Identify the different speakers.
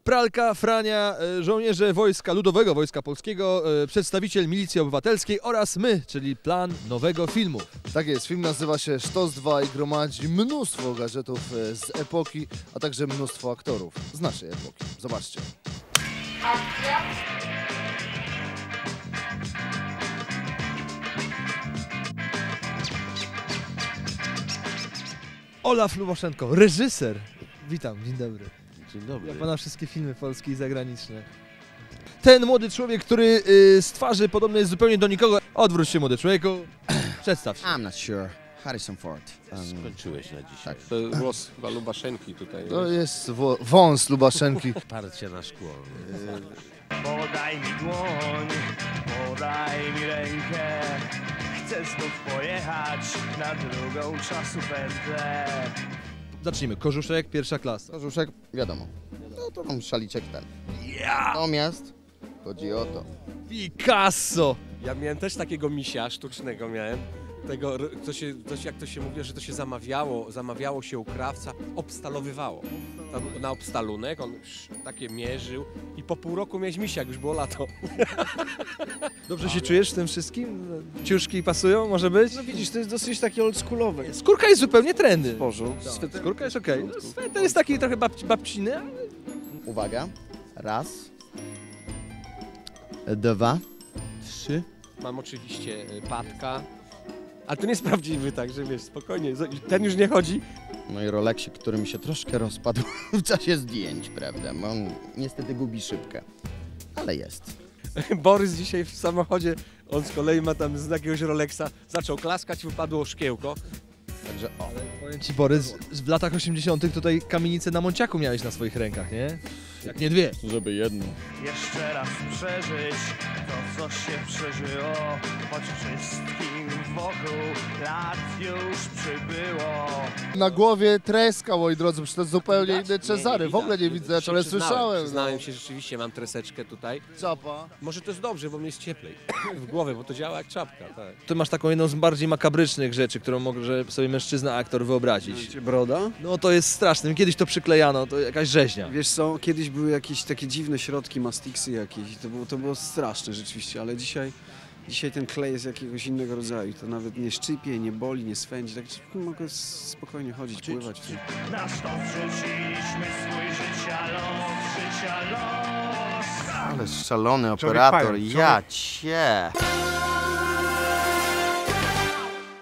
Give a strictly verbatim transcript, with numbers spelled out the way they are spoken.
Speaker 1: Pralka, Frania, żołnierze Wojska Ludowego, Wojska Polskiego, przedstawiciel Milicji Obywatelskiej oraz my, czyli plan nowego filmu.
Speaker 2: Tak jest, film nazywa się Sztos dwa i gromadzi mnóstwo gadżetów z epoki, a także mnóstwo aktorów z naszej epoki. Zobaczcie.
Speaker 3: Akcja.
Speaker 1: Olaf Lubaszenko, reżyser. Witam, dzień dobry.
Speaker 4: Dzień dobry.
Speaker 1: Ja pana wszystkie filmy polskie i zagraniczne. Ten młody człowiek, który y, z twarzy podobny jest zupełnie do nikogo. Odwróć się, młody człowieku. Przedstaw się.
Speaker 5: I'm not sure. Harrison Ford. Um,
Speaker 4: Skończyłeś na dzisiaj.
Speaker 5: tak.
Speaker 6: To głos chyba Lubaszenki tutaj.
Speaker 2: To jest wo- wąs Lubaszenki.
Speaker 4: Parcie na szkło.
Speaker 7: Podaj mi dłoń, podaj mi rękę. Chcę znów pojechać na drugą czasopętlę.
Speaker 1: Zacznijmy. Korzuszek, pierwsza klasa.
Speaker 5: Korzuszek, wiadomo. No to tam szaliczek ten. Natomiast chodzi o to.
Speaker 1: Picasso!
Speaker 6: Ja miałem też takiego misia sztucznego miałem. Tego, to się, to się, jak to się mówi, że to się zamawiało, zamawiało się u krawca, obstalowywało. Tam na obstalunek, on takie mierzył i po pół roku miałeś misia, jak już było lato.
Speaker 1: Dobrze się czujesz w tym wszystkim? Ciuszki pasują, może być?
Speaker 8: No widzisz, to jest dosyć takie oldschoolowe.
Speaker 1: Skórka jest zupełnie trendy.
Speaker 8: Bożu.
Speaker 1: Skórka jest okej. Okay. No, sweter jest taki trochę babci, babciny, ale...
Speaker 5: Uwaga. Raz. Dwa. Trzy.
Speaker 6: Mam oczywiście patka, ale to nie jest prawdziwy, także wiesz, spokojnie, ten już nie chodzi.
Speaker 5: No i Rolexik, który mi się troszkę rozpadł w czasie zdjęć, prawda? Bo on niestety gubi szybkę. Ale jest.
Speaker 6: Borys dzisiaj w samochodzie, on z kolei ma tam z jakiegoś Rolexa, zaczął klaskać, wypadło szkiełko.
Speaker 5: Także o.
Speaker 1: Powiem ci, Borys, w latach osiemdziesiątych tutaj kamienicę na Monciaku miałeś na swoich rękach, nie? Jak nie dwie.
Speaker 4: Żeby jedno.
Speaker 7: Jeszcze raz przeżyć to, co się przeżyło, choć wszystkim wokół lat już przybyło.
Speaker 2: Na głowie treska, moi drodzy, przecież to zupełnie inne
Speaker 6: Nie,
Speaker 2: Cezary.
Speaker 6: nie
Speaker 2: W ogóle nie
Speaker 6: widać.
Speaker 2: widzę,
Speaker 6: Się
Speaker 2: ale
Speaker 6: przyznałem,
Speaker 2: słyszałem.
Speaker 6: Przyznałem się, rzeczywiście mam treseczkę tutaj.
Speaker 2: Czapa.
Speaker 6: Może to jest dobrze, bo mnie jest cieplej w głowie, bo to działa jak czapka. Tak.
Speaker 1: Ty masz taką jedną z bardziej makabrycznych rzeczy, którą może sobie mężczyzna, aktor wyobrazić.
Speaker 8: Broda?
Speaker 1: No to jest straszne. Kiedyś to przyklejano, to jakaś rzeźnia.
Speaker 8: Wiesz co, kiedyś były jakieś takie dziwne środki, mastiksy jakieś. To było, to było straszne rzeczywiście, ale dzisiaj, dzisiaj ten klej jest jakiegoś innego rodzaju. To nawet nie szczypie, nie boli, nie swędzi. Tak mogę spokojnie chodzić, pływać.
Speaker 7: Na sztos wrzuciliśmy swój życia los, życia los.
Speaker 5: Ale szalony operator, ja cię.